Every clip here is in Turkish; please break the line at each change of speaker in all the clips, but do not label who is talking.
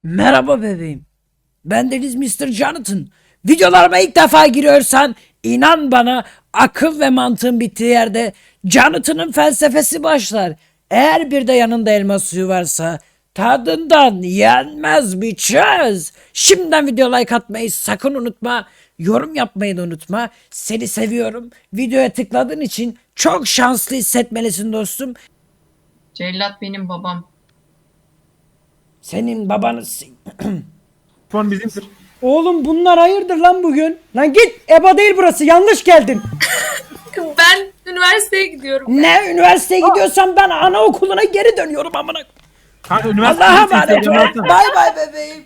Merhaba bebeğim. Bendeniz Mr. Jonathan. Videolarıma ilk defa giriyorsan inan bana akıl ve mantığın bittiği yerde Jonathan'ın felsefesi başlar. Eğer bir de yanında elma suyu varsa tadından yenmez bir çöz. Şimdiden video like atmayı sakın unutma. Yorum yapmayı da unutma. Seni seviyorum. Videoya tıkladığın için çok şanslı hissetmelisin dostum.
Cellat benim babam.
Senin babanı...
Fon bizimdir.
Oğlum bunlar hayırdır lan bugün? Lan git, EBA değil burası, yanlış geldin.
Ben üniversiteye gidiyorum.
Ne üniversiteye gidiyorsan ben anaokuluna geri dönüyorum amına.
Kanka üniversite
Allah'a
bizimsin,
emanet
Instagram'ı
ol.
atsana.
Bay bay bebeğim.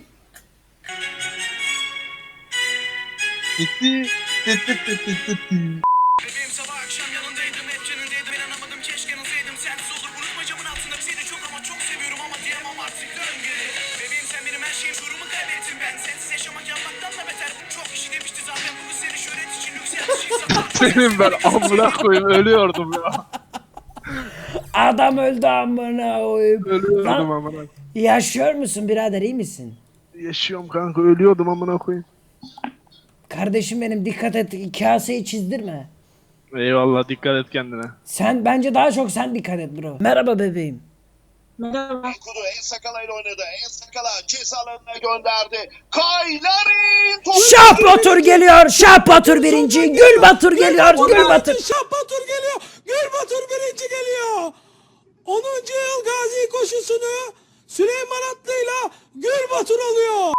Gitti. Tıt tıt tıt tıt tıt.
Bebeğim sabah akşam yanındaydım, hep canındaydım, inanamadım keşke yanılsaydım. Sensiz olur unutma camın altında seni çok ama çok seviyorum ama diyemem artık dön geri. Bebeğim sen benim her şeyim, durumu kaybettim ben. Sensiz yaşamak yapmaktan da beter. Çok kişi demişti zaten bunu seni şöhret için lüks yapmışsın.
Senin ben amına koyayım ölüyordum ya.
Adam öldü amına koyayım.
Ölüyordum
Lan,
amına.
yaşıyor musun birader, iyi misin?
Yaşıyorum kanka, ölüyordum amına koyayım.
Kardeşim benim, dikkat et, kaseyi çizdirme.
Eyvallah, dikkat et kendine.
Sen bence daha çok sen dikkat et bro. Merhaba bebeğim.
Kudu En Sakala ile oynadı. En Sakala ceza alanına gönderdi. Kayların topu.
Şah Batur geliyor. Şah Batur birinci. Gül Batur geliyor. Gül Batur.
Şah Batur geliyor. Gül Batur birinci geliyor. 10. yıl Gazi koşusunu Süleyman Atlı'yla Gül Batur alıyor.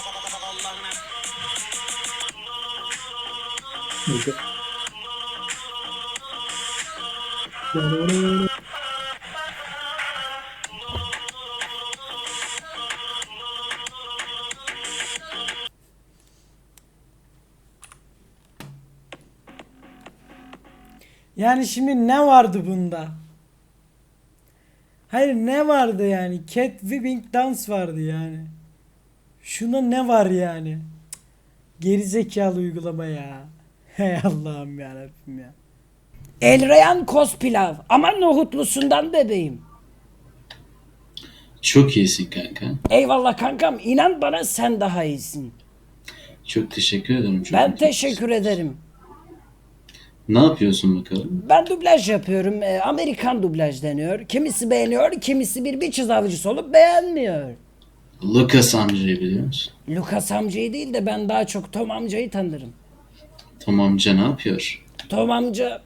Yani şimdi ne vardı bunda? Hayır, ne vardı yani? Cat Whipping Dance vardı yani. Şuna ne var yani? Cık, gerizekalı uygulama ya. Hey Allah'ım yarabbim ya. Elrayan Kospilav. Aman nohutlusundan bebeğim.
Çok iyisin kanka.
Eyvallah kankam. İnan bana sen daha iyisin.
Çok teşekkür ederim. Çok
Ben
mutlu
teşekkür ederim.
Ne yapıyorsun bakalım?
Ben dublaj yapıyorum. Amerikan dublaj deniyor. Kimisi beğeniyor, kimisi bir biçiz avcısı olup beğenmiyor.
Lucas amcayı biliyor musun?
Lucas amcayı değil de ben daha çok Tom amcayı tanırım.
Tom amca ne yapıyor?
Tom amca...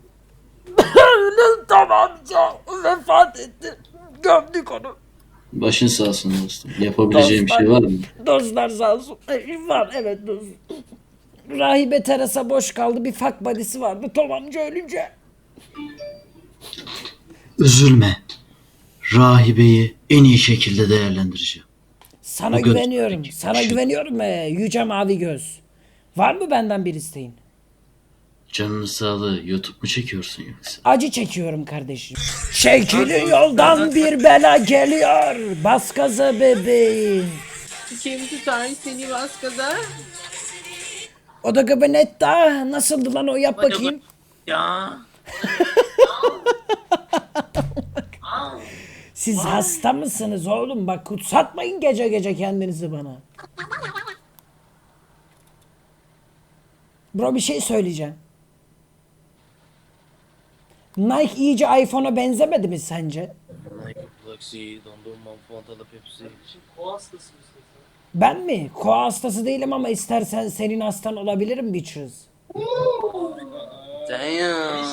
Tom amca vefat etti. Gömdük onu.
Başın sağ olsun dostum. Yapabileceğim bir şey var mı?
Dostlar sağ olsun. Var evet dost. Rahibe Teresa boş kaldı. Bir fuck buddy'si vardı. Tom amca ölünce.
Üzülme. Rahibeyi en iyi şekilde değerlendireceğim.
Sana
O göz-
güveniyorum.
Peki,
Sana
şey-
güveniyorum Yüce Mavi Göz. Var mı benden bir isteğin?
Canını sağlığı YouTube mu çekiyorsun yoksa?
Acı çekiyorum kardeşim. Çekilin yoldan bir bela geliyor. Bas gaza bebeğim.
Kim tutar seni baskada?
O da gabinetta. Nasıldı lan o, yap bakayım.
Ya.
Siz hasta mısınız oğlum? Bak kutsatmayın gece gece kendinizi bana. Bro bir şey söyleyeceğim. Nike iyice iPhone'a benzemedi mi sence?
Galaxy, dondurma, Fanta Pepsi.
Ben mi? Koa hastası değilim ama istersen senin hastan olabilirim bitches.
Damn.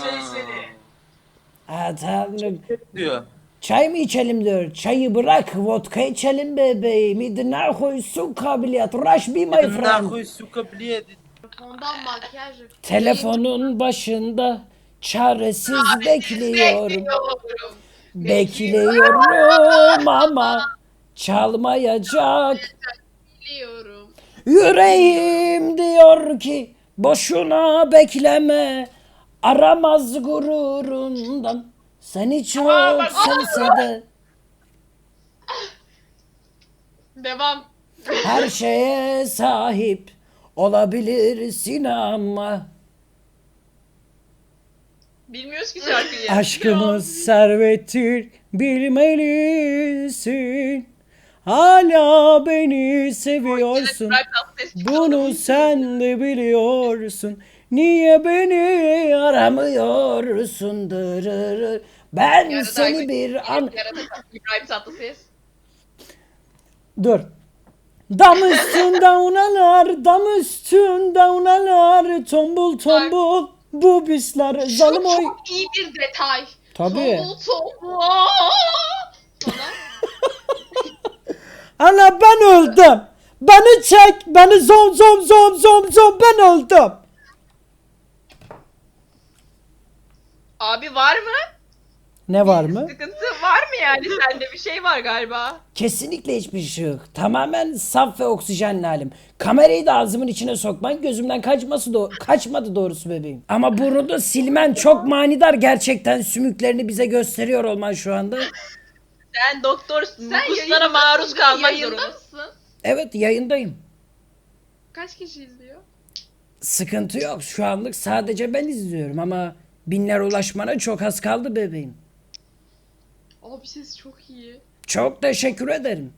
Ha tanrım.
Diyor.
Çay mı içelim diyor. Çayı bırak, vodka içelim bebeğim. İdina koy su kabiliyet. Rush be my friend.
Нахуй, сука, блядь.
Ondan makyaj.
Telefonun başında çaresiz bekliyorum. Bekliyorum ama çalmayacak.
Biliyorum.
Yüreğim diyor ki boşuna bekleme. Aramaz gururundan. Seni çok sevse de
Devam.
her şeye sahip olabilirsin ama
Bilmiyoruz ki şarkıyı.
aşkımız servettir bilmelisin. Hala beni seviyorsun.
Burak Tatlıses çıktı.
Bunu sen de biliyorsun. Niye beni aramıyorsun? Dırırır. Ben
Yarın
seni
Aykut-
bir an...
İbrahim Tatlıses.
Dur. Dam üstünde unalar, dam üstünde unalar, tombul tombul bu bisler
Şu
zalim oy.
çok iyi bir detay.
Tabii.
Tombul tombul. Sonra
Ana ben öldüm. Beni çek, beni zom zom zom zom zom ben öldüm.
abi var mı?
Ne var mı?
Sıkıntı var mı yani? Sende bir şey var galiba.
Kesinlikle hiçbir şey yok. Tamamen saf ve oksijenli halim. Kamerayı da ağzımın içine sokman gözümden kaçmadı doğrusu bebeğim. Ama burnunu silmen çok manidar gerçekten, sümüklerini bize gösteriyor olman şu anda.
Sen doktorsun.
Sen
Kuslara
yayında
maruz
mısın?
kalmak
Yayında
zorundasın.
Evet, yayındayım.
Kaç kişi izliyor?
Sıkıntı yok. Şu anlık sadece ben izliyorum ama binler ulaşmana çok az kaldı bebeğim.
Abi ses çok iyi.
Çok teşekkür ederim.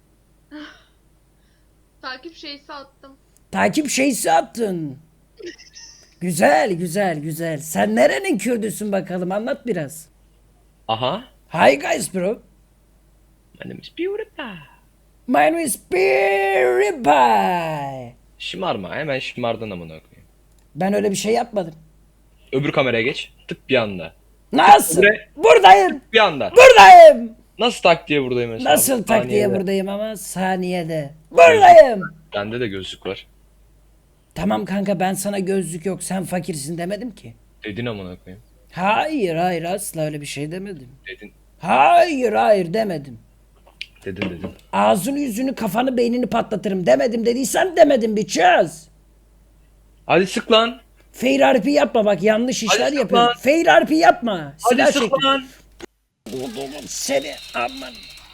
Takip şeysi attım.
Takip şeysi attın. Güzel güzel güzel. Sen nerenin Kürdüsün bakalım, anlat biraz.
Aha.
Hi guys bro.
My name is PewDiePie.
My name is PewDiePie.
Şımarma. Hemen şımardın amına koyayım.
Ben öyle bir şey yapmadım.
Öbür kameraya geç. Tık bir anda.
Nasıl?
Buraya-
Buradayım.
Bir anda.
Buradayım.
Nasıl tak diye buradayım mesela?
Nasıl tak diye
Saniyede.
buradayım ama saniyede. Buradayım.
Bende de gözlük var.
Tamam kanka, ben sana gözlük yok sen fakirsin demedim ki.
Dedin amına koyayım.
Hayır hayır, asla öyle bir şey demedim.
Dedin.
Hayır hayır demedim.
Dedin.
Ağzını yüzünü kafanı beynini patlatırım demedim, dediysen demedim bitches.
Hadi sık lan.
Fair RP yapma bak, yanlış işler
sık
yapıyorsun.
lan.
Fair RP yapma.
Hadi
Silah
sık
çek.
lan.
Oğlum seni aman.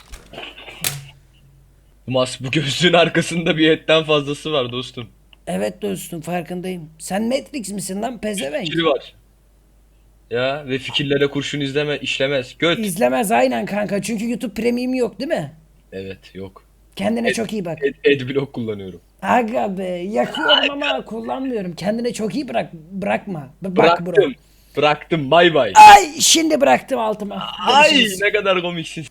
Bu gözlüğün arkasında bir etten fazlası var dostum.
Evet dostum, farkındayım. Sen Matrix misin lan pezevenk?
Fikri var. Ya ve fikirlere kurşun işlemez. Göt.
İzlemez aynen kanka, çünkü YouTube Premium yok değil mi?
Evet yok.
Kendine çok iyi bak.
Adblock kullanıyorum.
Aga be, yakıyorum ama kullanmıyorum. Kendine çok iyi bırakma. Bak bro.
Bıraktım. Bıraktım. Bay bay.
Ay şimdi bıraktım altıma.
Ay
Görüşürüz.
ne kadar komiksin.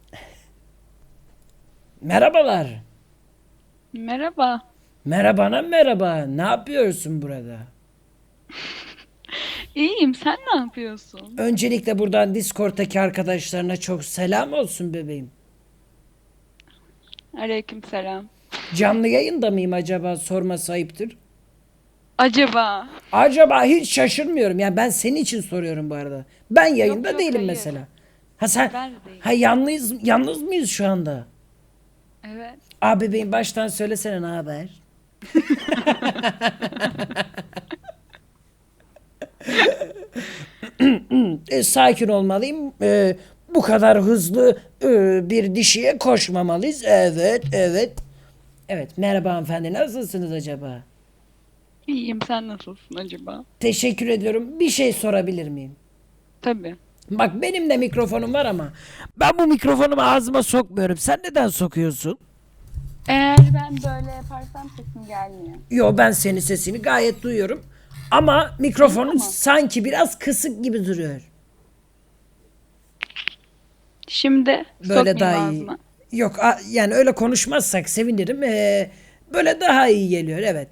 Merhabalar.
Merhaba.
Merhabana merhaba. Ne yapıyorsun burada?
İyiyim. Sen ne yapıyorsun?
Öncelikle buradan Discord'daki arkadaşlarına çok selam olsun bebeğim.
Aleykümselam.
Canlı yayında mıyım acaba, sorması ayıptır.
Acaba?
Acaba hiç şaşırmıyorum. Yani ben senin için soruyorum bu arada. Ben yayında
yok,
değilim
hayır.
mesela. Ha sen
Ben de değilim.
ha yalnız mıyız şu anda?
Evet.
Abi bebeğim baştan söylesene, ne haber? Sakin olmalıyım. Bu kadar hızlı bir dişiye koşmamalıyız. Evet, evet. Evet, merhaba hanımefendi. Nasılsınız acaba?
İyiyim. Sen nasılsın acaba?
Teşekkür ediyorum. Bir şey sorabilir miyim?
Tabii.
Bak benim de mikrofonum var ama ben bu mikrofonumu ağzıma sokmuyorum. Sen neden sokuyorsun?
Eğer ben böyle yaparsam sesim gelmiyor.
Yo, ben senin sesini gayet duyuyorum. Ama mikrofonun
Tamam.
sanki biraz kısık gibi duruyor.
Şimdi
Böyle daha iyi.
ağzıma.
Yok yani öyle konuşmazsak sevinirim. Böyle daha iyi geliyor, evet.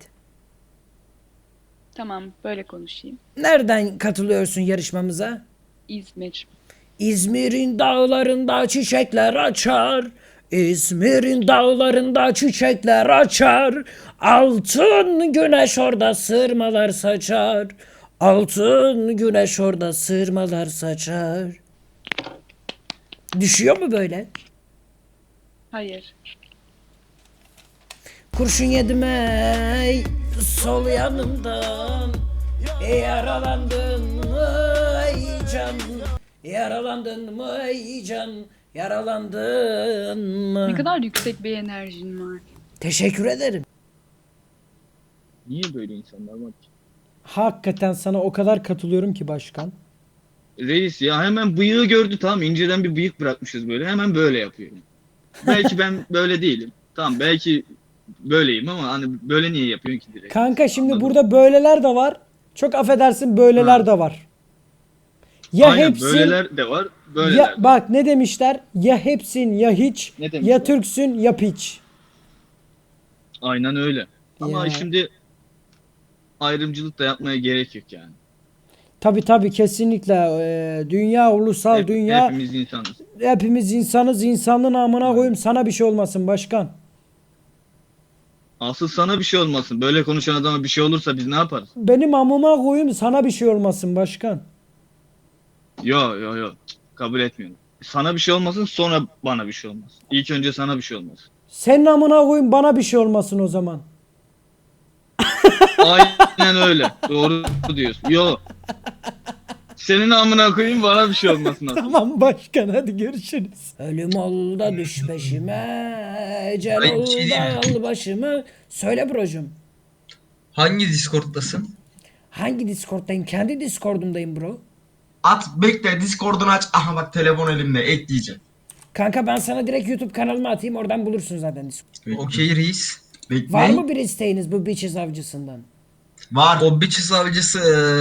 Tamam. Böyle konuşayım.
Nereden katılıyorsun yarışmamıza?
İzmir.
İzmir'in dağlarında çiçekler açar. İzmir'in dağlarında çiçekler açar. Altın güneş orada sırmalar saçar. Altın güneş orada sırmalar saçar. Düşüyor mu böyle?
Hayır.
Kurşun yedim ey sol yanımdan. Yaralandın mı ey can? Yaralandın mı ey can? Yaralandın mı?
Ne kadar yüksek bir enerjin var.
Teşekkür ederim.
Niye böyle insanlar var ki?
Hakikaten sana o kadar katılıyorum ki başkan.
Reis ya hemen bıyığı gördü, tamam, inceden bir bıyık bırakmışız böyle, hemen böyle yapıyor. belki ben böyle değilim. Tamam belki böyleyim ama hani böyle niye yapıyorsun ki direkt?
Kanka şimdi
Anladım.
burada böyleler de var. Çok affedersin böyleler
Ha.
de var. Ya
Aynen
hepsin
böyleler de var, böyleler
ya
de var.
bak ne demişler? Ya hepsin ya hiç,
Ne demişler?
ya Türksün ya piç.
Aynen öyle. Ama
Ya.
şimdi ayrımcılık da yapmaya gerek yok yani.
Tabii kesinlikle. Dünya ulusal dünya
Hepimiz insanız.
hepimiz insanız. İnsanlığın amına koyayım sana bir şey olmasın başkan.
Asıl sana bir şey olmasın. Böyle konuşan adama bir şey olursa biz ne yaparız?
Benim amıma koyayım sana bir şey olmasın başkan.
Yo. Kabul etmiyorum. Sana bir şey olmasın sonra bana bir şey olmasın. İlk önce sana bir şey olmasın.
Senin amına koyayım bana bir şey olmasın o zaman.
Aynen öyle. Doğru diyorsun. Yo. Senin amına koyayım bana bir şey olmasın aslında.
Tamam başkan hadi görüşürüz.
Ölüm ol da düş peşime, ecel
Ay, bir
ol
şey
da
diyeyim.
al başımı. Söyle brocum.
Hangi Discord'dasın?
Hangi Discord'dayım? Kendi Discord'umdayım bro.
At bekle Discord'unu aç. Aha bak telefon elimde ekleyeceğim.
Kanka ben sana direkt YouTube kanalıma atayım, oradan bulursun zaten Discord.
Okey reis. Bekle.
Var mı bir isteğiniz bu Bitches avcısından?
Var. O Bitches avcısı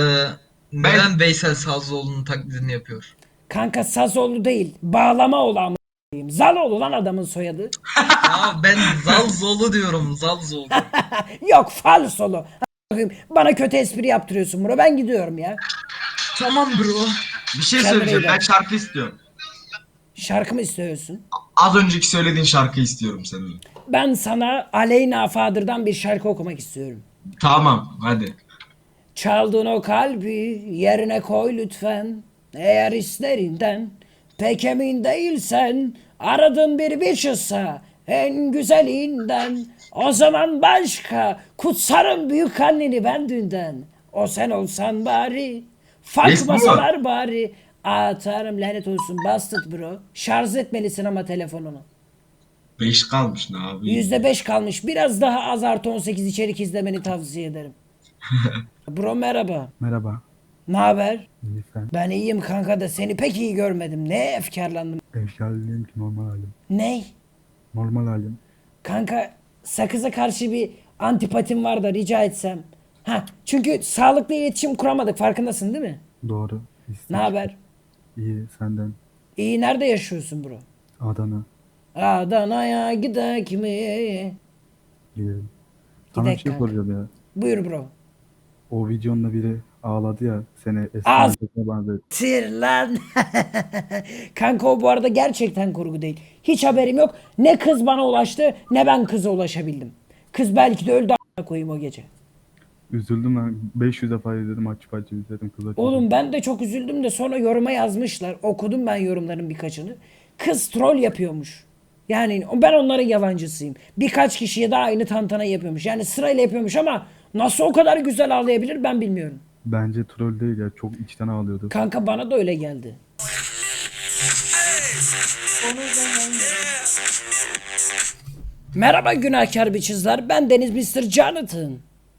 neden Veysel Sazlıoğlu'nun taklidini yapıyor?
Kanka Sazoğlu değil, bağlama olan Zaloğlu lan adamın soyadı.
Ya ben Zalzolu diyorum Zalzolu.
Yok falsolu. Bana kötü espri yaptırıyorsun bro, ben gidiyorum ya.
Tamam bro.
Bir şey
Kendine
söyleyeceğim.
iyi bak.
Ben şarkı istiyorum.
Şarkı mı istiyorsun?
Az önceki söylediğin şarkı istiyorum senin.
Ben sana Aleyna Fadır'dan bir şarkı okumak istiyorum.
Tamam hadi.
Çaldığın o kalbi yerine koy lütfen. Eğer hislerinden pek emin değilsen, aradığın bir bitch'sa en güzelinden, o zaman başka kutsarım büyük anneni ben dünden. O sen olsan bari, fakmasalar bari. Atarım lanet olsun, bastard bro. Şarj etmelisin ama telefonunu.
5 kalmış ne abi?
%5 kalmış. Biraz daha az artı 18 içerik izlemeni tavsiye ederim. Bro merhaba.
Merhaba.
Ne haber?
İyi sen.
Ben iyiyim kanka da seni pek iyi görmedim. Ne efkarlandım.
Efkarlıyım ki normal halim.
Ney?
Normal halim.
Kanka sakıza karşı bir antipatim var da rica etsem. Ha, çünkü sağlıklı iletişim kuramadık, farkındasın değil mi?
Doğru.
Ne haber?
İyi senden.
İyi, nerede yaşıyorsun bro?
Adana.
Adana'ya gidek mi?
Gidelim. Sana bir
Gidek
şey
kanka.
soracağım ya.
Buyur bro.
O videonda biri ağladı ya. Seni
Az-
eski benzetti.
Tir lan. Kanka o bu arada gerçekten kurgu değil. Hiç haberim yok. Ne kız bana ulaştı ne ben kıza ulaşabildim. Kız belki de öldü a**ına koyayım o gece.
Üzüldüm ben. 500 defa izledim açıp izledim kıza.
Oğlum ben de çok üzüldüm de sonra yoruma yazmışlar. Okudum ben yorumların birkaçını. Kız troll yapıyormuş. Yani ben onların yalancısıyım. Birkaç kişiye de aynı tantana yapıyormuş. Yani sırayla yapıyormuş ama nasıl o kadar güzel ağlayabilir ben bilmiyorum.
Bence troll değil ya. Çok içten ağlıyordu.
Kanka bana da öyle geldi. Merhaba günahkar biçizler. Ben Deniz Mr. Jonathan.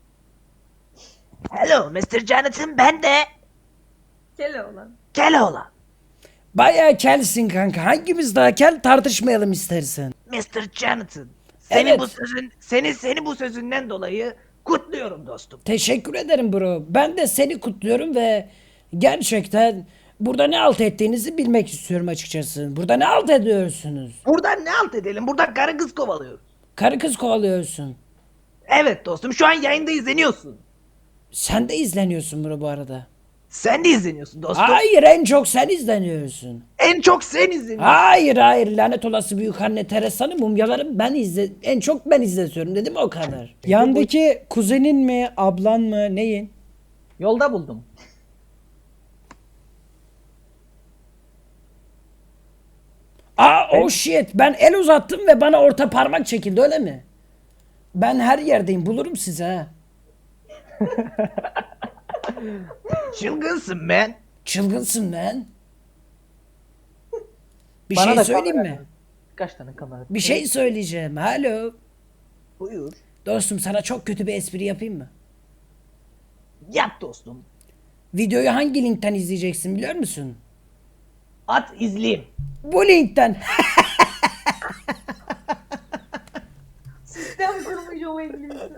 Hello Mr. Jonathan, ben de
Keloğlan.
Keloğlan.
Bayağı kelsin kanka. Hangimiz daha kel tartışmayalım istersen.
Mr. Jonathan. Senin
Evet.
bu sözün seni bu sözünden dolayı kutluyorum dostum.
Teşekkür ederim bro. Ben de seni kutluyorum ve gerçekten burada ne alt ettiğinizi bilmek istiyorum açıkçası. Burada ne alt ediyorsunuz?
Buradan ne alt edelim? Buradan karı kız kovalıyoruz.
Karı kız kovalıyorsun.
Evet dostum, şu an yayında izleniyorsun.
Sen de izleniyorsun bro bu arada.
Sen de izleniyorsun dostum.
Hayır, en çok sen izleniyorsun.
En çok sen izleniyorsun.
Hayır lanet olası büyük anne Teresa'nın mumyaları en çok ben izletiyorum dedim, o kadar.
Yandaki kuzenin mi, ablan mı, neyin?
Yolda buldum.
Oh shit, ben el uzattım ve bana orta parmak çekildi, öyle mi? Ben her yerdeyim, bulurum sizi ha.
Çılgınsın ben.
Çılgınsın lan. Bir
Bana
şey
da
söyleyeyim
kamera-
mi?
Kaç tane kamera?
Bir şey söyleyeceğim. Alo.
Buyur.
Dostum sana çok kötü bir espri yapayım mı?
Yap dostum.
Videoyu hangi linkten izleyeceksin biliyor musun?
At izleyeyim.
Bu linkten.
Sistem kurmuş o İngilizce.